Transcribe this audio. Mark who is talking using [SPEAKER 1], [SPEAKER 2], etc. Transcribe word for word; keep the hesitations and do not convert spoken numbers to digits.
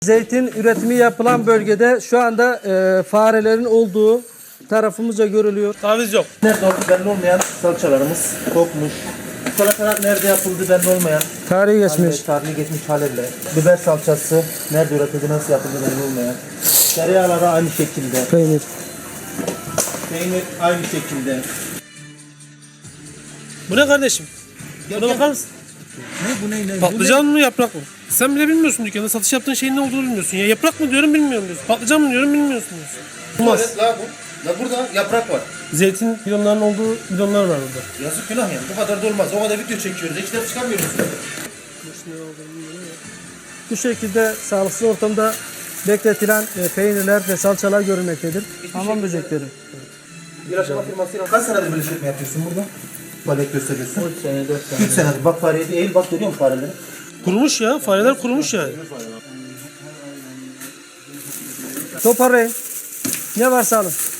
[SPEAKER 1] Zeytin üretimi yapılan bölgede şu anda e, farelerin olduğu tarafımızca görülüyor.
[SPEAKER 2] Taviz yok.
[SPEAKER 3] Nerede olduğu belli olmayan salçalarımız kokmuş. Salatalar nerede yapıldı belli olmayan.
[SPEAKER 1] Tarihi geçmiş.
[SPEAKER 3] Tarihi geçmiş haliyle. Biber salçası nerede üretildi, nasıl yapıldı belli olmayan. Tereyağları aynı şekilde.
[SPEAKER 1] Peynir.
[SPEAKER 3] Peynir aynı şekilde.
[SPEAKER 2] Bu ne kardeşim? Buna bakar mısın?
[SPEAKER 3] Ne bu ne ne?
[SPEAKER 2] Patlıcan mı yaprak mı? Sen bile bilmiyorsun dükkanda. Satış yaptığın şeyin ne olduğunu bilmiyorsun. Ya yaprak mı diyorum bilmiyorum diyorsun. Patlıcan mı diyorum bilmiyorsun diyorsun. Olmaz.
[SPEAKER 3] Evet, la bu. La burada yaprak var.
[SPEAKER 2] Zeytin bidonlarının olduğu bidonlar var burada.
[SPEAKER 3] Yazık günah yani. Bu kadar da olmaz. O kadar video çekiyoruz. Hiç ders çıkarmıyoruz.
[SPEAKER 1] Bu şekilde sağlıksız ortamda bekletilen e, peynirler ve salçalar görülmektedir. Hamam böcekleri.
[SPEAKER 3] İlaçlama firmasıyla kaç senedir böyle işletme yapıyorsun burada? Faaliyet gösteriyorsun. üç sene, dört sene. üç senedir. Bak fareye eğil bak, görüyor musun fareleri?
[SPEAKER 2] Kurumuş ya. Fareler kurumuş yani.
[SPEAKER 1] Toparlayın. Ne varsa alın.